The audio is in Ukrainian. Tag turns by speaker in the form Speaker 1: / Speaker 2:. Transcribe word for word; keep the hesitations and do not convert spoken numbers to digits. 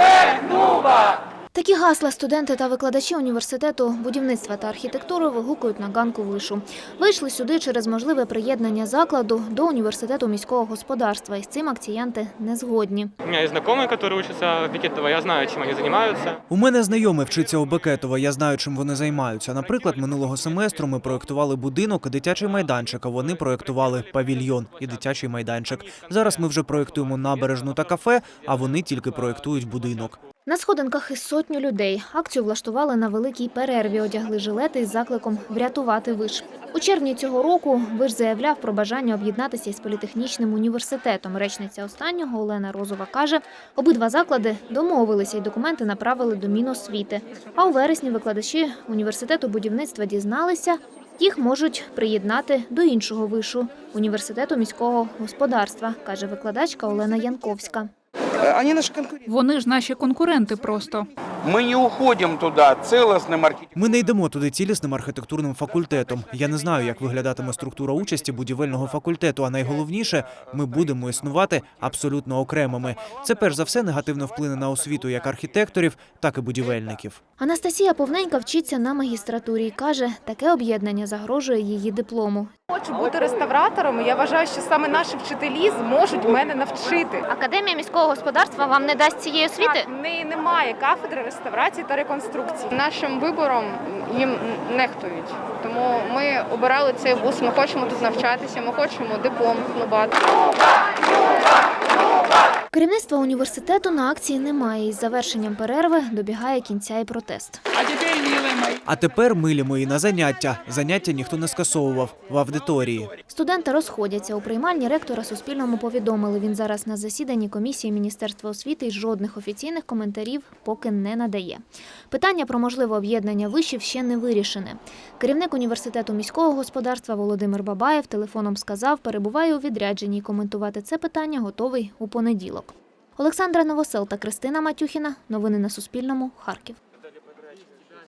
Speaker 1: Повернува!
Speaker 2: Такі гасла студенти та викладачі університету будівництва та архітектури вигукують на ганку вишу. Вийшли сюди через можливе приєднання закладу до університету міського господарства. І з цим акціянти не згодні.
Speaker 3: У мене є знайомі, які вчаться в Бекетово, я знаю, чим вони займаються.
Speaker 4: У мене знайомий вчиться у Бекетово, я знаю, чим вони займаються. Наприклад, минулого семестру ми проєктували будинок і дитячий майданчик, а вони проєктували павільйон і дитячий майданчик. Зараз ми вже проєктуємо набережну та кафе, а вони тільки проєктують будинок.
Speaker 2: На сходинках із сотню людей. Акцію влаштували на великій перерві, одягли жилети із закликом врятувати виш. У червні цього року виш заявляв про бажання об'єднатися із політехнічним університетом. Речниця останнього Олена Розова каже, обидва заклади домовилися і документи направили до Міносвіти. А у вересні викладачі університету будівництва дізналися, їх можуть приєднати до іншого вишу – університету міського господарства, каже викладачка Олена Янковська.
Speaker 5: Вони ж наші конкуренти просто.
Speaker 1: Ми не уходимо туди цілісним архітектурним.
Speaker 4: Ми не йдемо туди цілісним архітектурним факультетом. Я не знаю, як виглядатиме структура участі будівельного факультету, а найголовніше – ми будемо існувати абсолютно окремими. Це перш за все негативно вплине на освіту як архітекторів, так і будівельників.
Speaker 2: Анастасія Повненька вчиться на магістратурі і каже, таке об'єднання загрожує її диплому.
Speaker 6: Хочу бути реставратором, і я вважаю, що саме наші вчителі зможуть мене навчити.
Speaker 2: Академія міського господарства вам не дасть цієї освіти?
Speaker 6: Так, в неї немає кафедри реставрації та реконструкції.
Speaker 7: Нашим вибором їм нехтують. Тому ми обирали цей вуз, ми хочемо тут навчатися, ми хочемо диплом здобувати.
Speaker 2: Керівництва університету на акції немає. Із завершенням перерви добігає кінця і протест.
Speaker 5: А тепер, милі мої.
Speaker 4: А тепер, милі мої, на заняття. Заняття ніхто не скасовував в аудиторії.
Speaker 2: Студенти розходяться. У приймальні ректора Суспільному повідомили, він зараз на засіданні комісії Міністерства освіти і жодних офіційних коментарів поки не надає. Питання про можливе об'єднання вишів ще не вирішене. Керівник університету міського господарства Володимир Бабаєв телефоном сказав, перебуває у відрядженні і коментувати це питання готовий у понеділок. Олександра Новосел та Кристина Матюхіна. Новини на Суспільному. Харків.